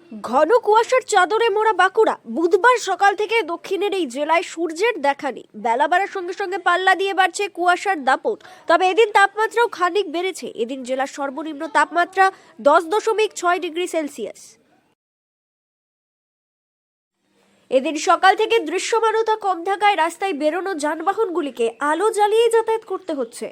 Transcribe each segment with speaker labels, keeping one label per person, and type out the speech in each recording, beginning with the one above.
Speaker 1: ঘন কুয়াশার চাদরে মোড়া বাঁকুড়া। বুধবার সকাল থেকে দক্ষিণের এই জেলায় সূর্যের দেখা নেই। বেলা বাড়ার সঙ্গে সঙ্গে পাল্লা দিয়ে বাড়ছে কুয়াশার দাপট। তবে এদিন তাপমাত্রাও খানিক বেড়েছে। এদিন জেলার সর্বনিম্ন তাপমাত্রা 10.6 ডিগ্রি সেলসিয়াস। এদিন সকাল থেকে দৃশ্যমানতা কম থাকায় রাস্তায় বেরোনো যানবাহনগুলিকে আলো জ্বালিয়ে যাতায়াত করতে হচ্ছে।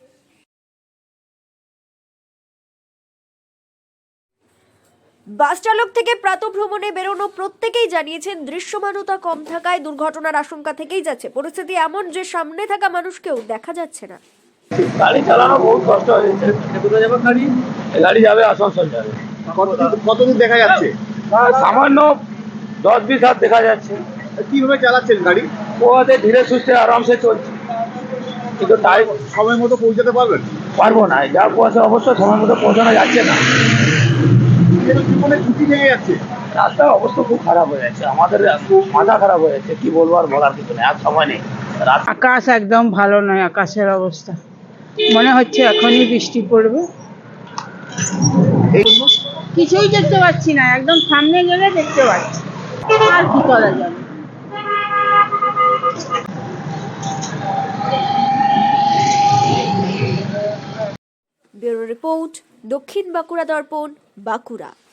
Speaker 1: বাস চালক থেকে প্রাতঃভ্রমণে বেরোনো প্রত্যেকেই জানিয়েছেন দৃশ্যমানতা কম থাকায় দুর্ঘটনার আশঙ্কা থেকেই যাচ্ছে। পরিস্থিতি এমন যে সামনে থাকা মানুষকেও দেখা যাচ্ছে না।
Speaker 2: গাড়ি চালানো বহুত কষ্ট হয়েছে। কোথায় যাবে গাড়ি? গাড়ি যাবে আসানসোল যাবে।
Speaker 3: কতদূর দেখা যাচ্ছে?
Speaker 2: সামান্য 10-20 হাত দেখা যাচ্ছে।
Speaker 3: কিভাবে চালাচ্ছেন গাড়ি?
Speaker 2: ওদের ধীরে সুস্থে আরামসে চলছে, কিন্তু টাইম
Speaker 3: সময় মতো পৌঁছাতে পারবেন?
Speaker 2: পারবো না। যা কুয়াশা অবশ্য সময় মতো পৌঁছানো যাচ্ছে না।
Speaker 3: জীবনে ঝুঁকি থেকে যাচ্ছে।
Speaker 2: রাস্তার অবস্থা খুব খারাপ হয়ে যাচ্ছে, আমাদের মাথা খারাপ হয়ে যাচ্ছে। কি বলবো, আর বলার কিছু নেই, আর সময় নেই।
Speaker 4: আকাশ একদম ভালো নয়, আকাশের অবস্থা মনে হচ্ছে এখনই বৃষ্টি পড়বে। কিছুই দেখতে পাচ্ছি না, একদম সামনে গেলে দেখতে পাচ্ছি, আর কি করা যাবে।
Speaker 1: ব্যুরো রিপোর্ট, দক্ষিণ বাঁকুড়া দর্পণ, বাঁকুড়া।